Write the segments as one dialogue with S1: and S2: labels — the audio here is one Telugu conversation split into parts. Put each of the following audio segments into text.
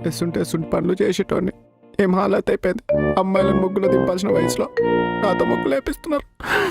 S1: ఎస్తుంటే పనులు చేసేటోని ఏం హాలత్ అయిపోయింది. అమ్మాయిలను ముగ్గులు దింపాల్సిన వయసులో నాతో ముగ్గులు వేపిస్తున్నారు.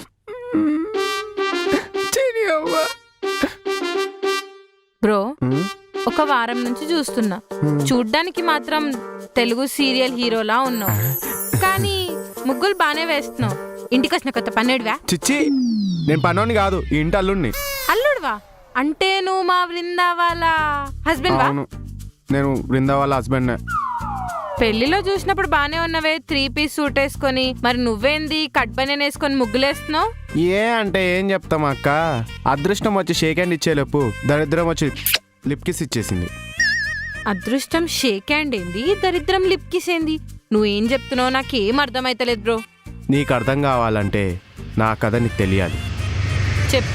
S2: బ్రో ఒక వారం నుంచి చూస్తున్నా, చూడ్డానికి మాత్రం తెలుగు సీరియల్ హీరోలా ఉన్నావు, కానీ ముగ్గులు బానే వేస్తున్నావు. ఇంటికి వచ్చిన కొత్త పన్నెడువా?
S1: చిచ్చి, నేను పనోని కాదు, ఈ ఇంటి అల్లుడిని.
S2: అల్లుడువా? అంటే నువ్వు మా బృందా వాళ్ళ హస్బెండ్ వా?
S1: అవును, నేను బృందా వాళ్ళ హస్బెండ్.
S2: పెళ్లిలో చూసినప్పుడు బానే ఉన్నవే 3 పీస్ సూట్ వేసుకొని, మరి నువ్వేంది కట్ బనియన్ వేసుకొని ముగ్గులేస్తున్నావు?
S1: ఏ అంటే ఏం చెప్తాం అక్క, అదృష్టం వచ్చి షేక్ హ్యాండ్ ఇచ్చేలోపు దరిద్రం వచ్చి లిప్ కిస్ ఇచ్చేసింది.
S2: అదృష్టం షేక్ హ్యాండ్ ఏంది, దరిద్రం లిప్ కిస్ ఏంది? నువ్వేం చెప్తున్నావు నాకేం అర్థమైతలేదు బ్రో.
S1: నీకు అర్థం కావాలంటే నా కథ నీకు తెలియాలి.
S2: చెప్పు.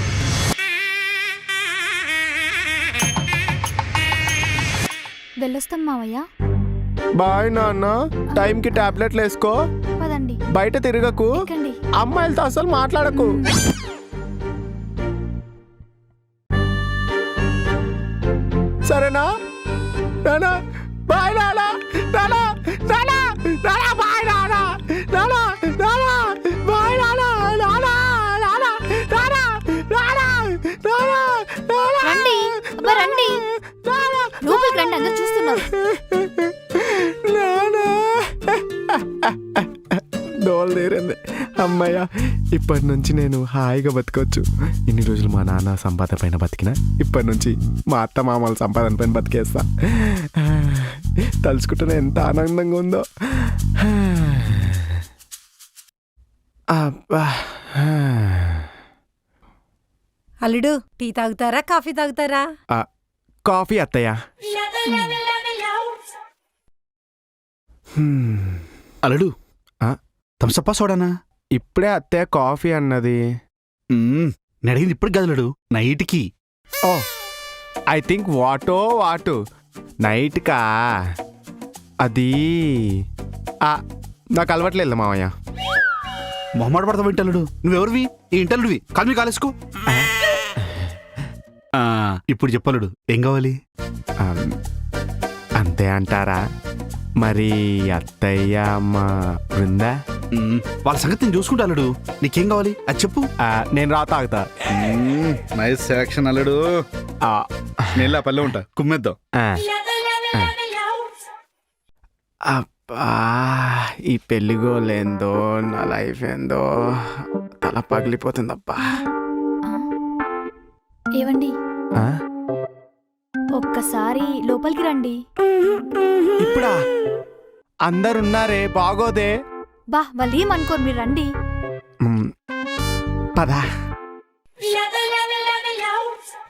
S3: వెళ్ళొస్తాం మావయ్య.
S1: బాయ్ నాన్న, టైంకి టాబ్లెట్లు వేసుకో,
S3: పదండి.
S1: బయట తిరగకు,
S3: ఎక్కండి.
S1: అమ్మాయిలతో అసలు మాట్లాడకు. సరేనా నానా? బాయ్ నానా, నానా, నానా, నానా, బాయ్ నానా, నానా, నానా, బాయ్ నానా, నానా, నానా, నానా, నానా, నానా, నానా.
S3: రండి, అబ్బా రండి, లోపలికి రండి, అందరూ చూస్తున్నారు.
S1: డోల్ తీరింది, అమ్మయ్య. ఇప్పటి నుంచి నేను హాయిగా బతకొచ్చు. ఇన్ని రోజులు మా నాన్న సంపాదన పైన బతికినా ఇప్పటి నుంచి మా అత్త మామల సంపాదన పైన బతికేస్తా. తలుచుకుంటేనే ఎంత ఆనందంగా ఉందో. అబ్బా.
S4: అల్లుడు, టీ తాగుతారా కాఫీ తాగుతారా?
S1: కాఫీ అత్తయ్య.
S5: అల్లుడు, థమ్సప్పా సోడానా?
S1: ఇప్పుడే అత్తయ్య కాఫీ అన్నది.
S5: నేను అడిగింది ఇప్పుడు గదలుడు, నైట్కి.
S1: ఓ, ఐ థింక్ వాటు నైట్కా. అది నాకు అలవట్లేదు మామయ్య.
S5: మొహమాట పడతావు వింటల్లుడు, నువ్వెవరివి? ఈ ఇంటల్లుడివి, కాలు మీ కాలేసుకో. ఇప్పుడు చెప్పలుడు, ఏం కావాలి?
S1: అంతే అంటారా? మరి అత్తయ్య మా బృందా
S5: వాళ్ళ సంగతి నేను చూసుకుంటా. అల్లుడు, నీకేం కావాలి అది చెప్పు.
S1: నేను రా తాగుతా.
S5: నైస్ సెలక్షన్ అల్లుడు. నేను పల్లె ఉంటా, కుమ్మేద్దాం.
S1: అబ్బా, ఈ పెళ్ళిగోలేందో నా లైఫ్ ఏందో తల పగిలిపోతుందబ్బా.
S3: ఏవండి, ఒక్కసారి లోపలికి రండి.
S1: ఇప్పుడా? అందరున్నారే, బాగోదే.
S3: బా, వాళ్ళు ఏమనుకోరు, మీరు రండి.
S1: పదా.